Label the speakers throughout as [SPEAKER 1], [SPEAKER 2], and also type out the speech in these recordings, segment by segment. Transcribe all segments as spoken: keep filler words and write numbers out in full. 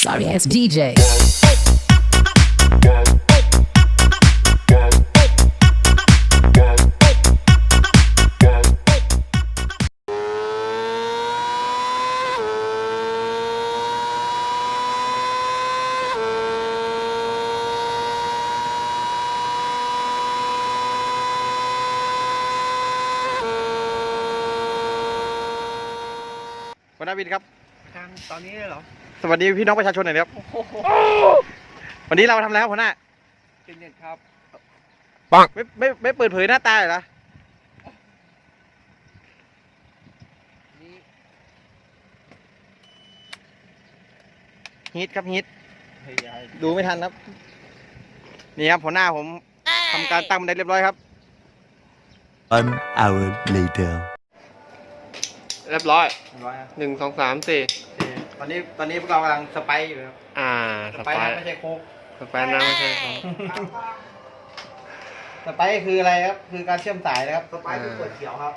[SPEAKER 1] Sorry ass D J.
[SPEAKER 2] หัวหน้าวินครับ
[SPEAKER 3] ทางตอนนี้เลยเหรอ
[SPEAKER 2] สวัสดีพี่น้องประชาชนหน่อยครับวันนี้เราทำแล้วหัวหน้า
[SPEAKER 3] เป็นเน็ตครับ
[SPEAKER 2] ปังไม่ไม่ไม่เปิดเผยหน้าตาเลยเหรอฮิตครับฮิตดูไม่ทันครับนี่ครับหัวหน้าผมทำการตั้งบันไดเรียบร้อยครับ
[SPEAKER 4] One hour later
[SPEAKER 3] เรียบร้อย
[SPEAKER 2] ร้อย
[SPEAKER 3] หนึ่งสองสามสี่
[SPEAKER 2] ตอนนี้ตอนนี้พวกเรากำลังสไปอยู่ครับ
[SPEAKER 3] อ่า
[SPEAKER 2] สไปนะไม่ใช่โค้ก
[SPEAKER 3] สไปนะไม่ใช่โค้ก
[SPEAKER 2] สไปคืออะไรครับคือการเชื่อมสายนะครับสไปคือขวดเขียวครับ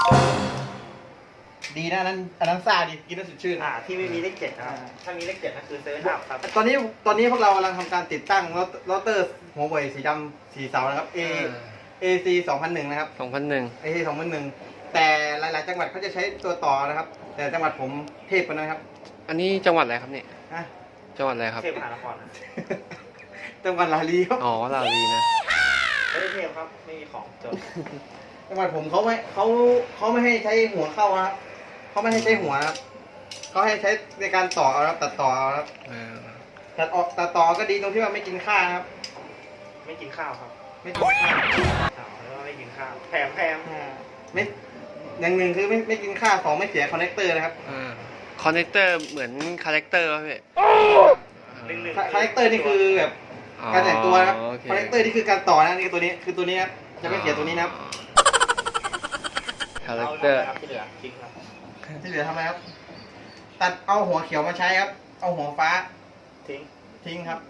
[SPEAKER 2] ดีนะนั้นอันนั้นซาดีกินแล้วสดชื่น
[SPEAKER 5] อ่าที่ไม่มีเลขเจ็ดนะครับถ้ามีเลขเจ็ดนั่นคือเซเว่นอัพครับ
[SPEAKER 2] ตอนนี้ตอนนี้พวกเรากำลังทำการติดตั้งโรเตอร์หัวเว่ยสีดำสีเสานะครับ A AC สองพันหนึ่งนะครับ
[SPEAKER 3] สองพันหนึ่ง
[SPEAKER 2] AC สองพันหนึ่งแต่หลายๆจังหวัดเขาจะใช้ตัวต่อนะครับแต่จังหวัดผมเทพกว่านั้นครับ
[SPEAKER 3] อันนี้จังหวัดอะไรครับเนี่ย
[SPEAKER 2] ฮะ
[SPEAKER 3] จังหวัดอะไรครับ
[SPEAKER 5] เทพมหานคร
[SPEAKER 2] จังหวัดลาลีครับ
[SPEAKER 3] อ๋อลาลีนะ
[SPEAKER 5] ไม่ได้เทพครับไม่มีของจน
[SPEAKER 2] จังหวัดผมเขาไม่เขาเขาไม่ให้ใช้หัวเข้าครับเขาไม่ให้ใช้หัวครับเขาให้ใช้ในการต่อเอาครับตัดต่อเอาครับตัดออกตัดต่อก็ดีตรงที่ว่าไม่กินข้าวครับ
[SPEAKER 5] ไม่กินข้าวครับ
[SPEAKER 2] ไม่กินข้าว
[SPEAKER 5] แล้วก็ไม่กินข้าวแถมแถม
[SPEAKER 2] ไม่อย่างหนึ่งคือไม่ไม่กินข้าวสองไม่เสียคอนเนคเตอร์นะครับ
[SPEAKER 3] คอนเนคเตอร์เหมือนคาแรคเตอร์ป่ะพี่
[SPEAKER 2] คอนเนคเตอร์นี่คือแบบการแต่งตัวนะครับคอนเนคเตอร์นี่คือการต่อนะนี่คือตัวนี้คือตัวนี้ครับจะไม่เสียตัวนี้นะครับ
[SPEAKER 3] คาแรคเตอร์
[SPEAKER 5] ที่เหลือทิ้งครับ
[SPEAKER 2] ที่เหลือทำไมครับตัดเอาหัวเขียวมาใช้ครับเอาหัวฟ้า
[SPEAKER 5] ทิ้ง
[SPEAKER 2] ทิ้งครับ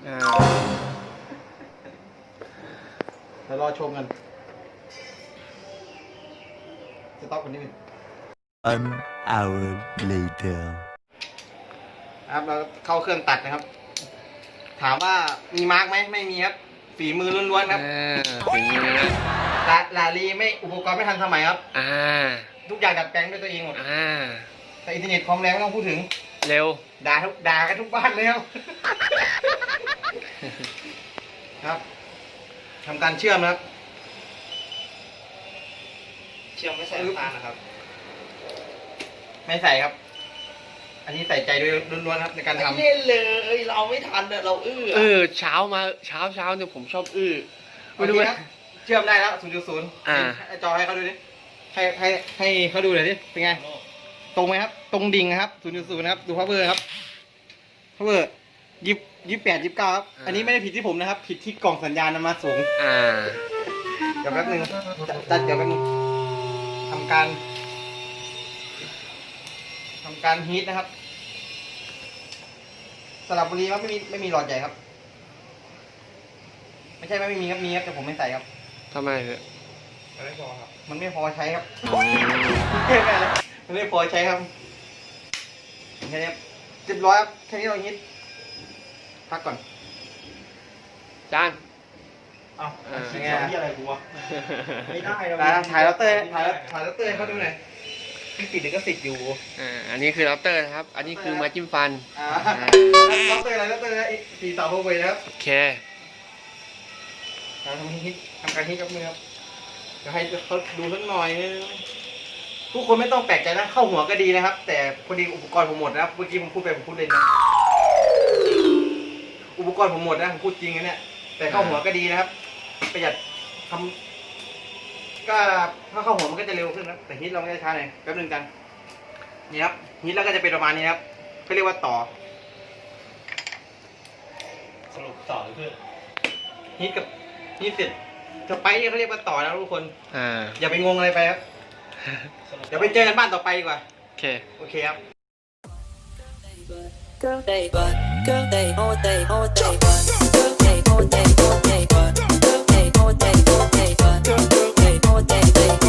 [SPEAKER 2] เดี๋ยวรอชมกันจะต้องคนนี้นึง
[SPEAKER 4] One hour later
[SPEAKER 2] ครับเราเข้าเครื่องตัดนะครับถามว่ามีมาร์กไหมไม่มีครับฝีมือล้วนๆครับ
[SPEAKER 3] ฝีมือ
[SPEAKER 2] ลาลาลีไม่อุปกรณ์ไม่ทันสมัยครับ
[SPEAKER 3] อ่า
[SPEAKER 2] ทุกอย่างดัดแปลงด้วยตัวเองหมด
[SPEAKER 3] อ่า
[SPEAKER 2] แต่อินเทอร์เน็ตความแรงไม่ต้องพูดถึง
[SPEAKER 3] เร็ว
[SPEAKER 2] ด่าทุกด่ากันทุกบ้านเลยครับครับทำการเชื่อมนะครับ
[SPEAKER 5] เชื่อมไม่ใส่น้ำตาลนะครับ
[SPEAKER 2] ไม่ใส่ครับอันนี้ใส่ใจด้วยล้วนๆครับในการทำ
[SPEAKER 5] เล่นเลยเราไม่ทันเนี่ยเราอื้อ
[SPEAKER 3] เออเช้ามาเช้าเช้าเนี่ยผมชอบอื้อ
[SPEAKER 2] ไม่รู้ครับเชื่อมได้แล้ว ศูนย์จุดศูนย์
[SPEAKER 3] อ่า
[SPEAKER 2] จอให้เขาดูดิให้ให้ให้เขาดูหน่อยดิเป็นไงตรงไหมครับตรงดิ่งครับ ศูนย์จุดศูนย์ นะครับดูพาวเวอร์ครับพาวเวอร์ยี่ยี่แปดยี่เก้าครับอันนี้ไม่ได้ผิดที่ผมนะครับผิดที่กล่องสัญญาณนำมาสูง
[SPEAKER 3] อ่า
[SPEAKER 2] เดี๋ยวแป๊บนึงจัดเดี๋ยวแป๊บนึงทำการทำการฮีทนะครับสระบุรีครับไม่มีไม่มีหลอดใหญ่ครับไม่ใช่ไม่มีครับมีครับแต่ผมไม่ใส่ครับ
[SPEAKER 3] ทำไมเหรอ
[SPEAKER 2] มันไม่พอครับมันไม่พอใช้ครับไม่เป็นไรมันไม่พอใช้ครับแค่นี้เรียบร้อยครับแค่นี้เราฮิตพักก่อน
[SPEAKER 3] จาน
[SPEAKER 5] เอ้าคิดที่อะไรกูวะไม่ได้เรา
[SPEAKER 2] ถ่ายเราเตอร์ถ่ายถ่ายเราเตอร์เขาดูหน่อยที่ติดก็ติดอยู่
[SPEAKER 3] อ่าอันนี้คือเราเตอร์นะครับอันนี้คือมาจิ้มฟัน
[SPEAKER 2] อ่าเราเตอร์อะไรเราเตอร์อะไรสี่ต่อโฮเวย์นะครับ
[SPEAKER 3] โอเค
[SPEAKER 2] ทำฮิตทำการฮิตกับมือครับจะให้เขาดูสักหน่อยทุกคนไม่ต้องแปลกใจนะเข้าหัวก็ดีนะครับแต่พอดีอุปกรณ์ผมหมดนะครับเมื่อกี้ผมพูดไปผมพูดเล่นนะอุปกรณ์ผมหมดนะผมพูดจริงนะเนี่ยแต่เข้าหัวก็ดีนะครับประหยัดทำก็ถ้าเข้าหัวมันก็จะเร็วขึ้นนะแต่ฮิตเราไม่ได้ช้าเลยแป๊บนึงกันนี่ครับฮิตแล้วก็จะเป็นประมาณนี้ครับเขาเรียกว่าต่อ
[SPEAKER 5] สรุปต่อคือ
[SPEAKER 2] ฮิตกับฮิตเสร็จจะไปเขาเรียกว่าต่อนะทุกคน
[SPEAKER 3] อ่า
[SPEAKER 2] อย่าไปงงอะไรไปครับเดี๋ยวไปเจอกันบ้านต่อไปดีกว่า
[SPEAKER 3] โอเค
[SPEAKER 2] โอเคครับ
[SPEAKER 1] Girl they but girl they all day all day but girl they all day all day but girl they all day all day but girl they all day they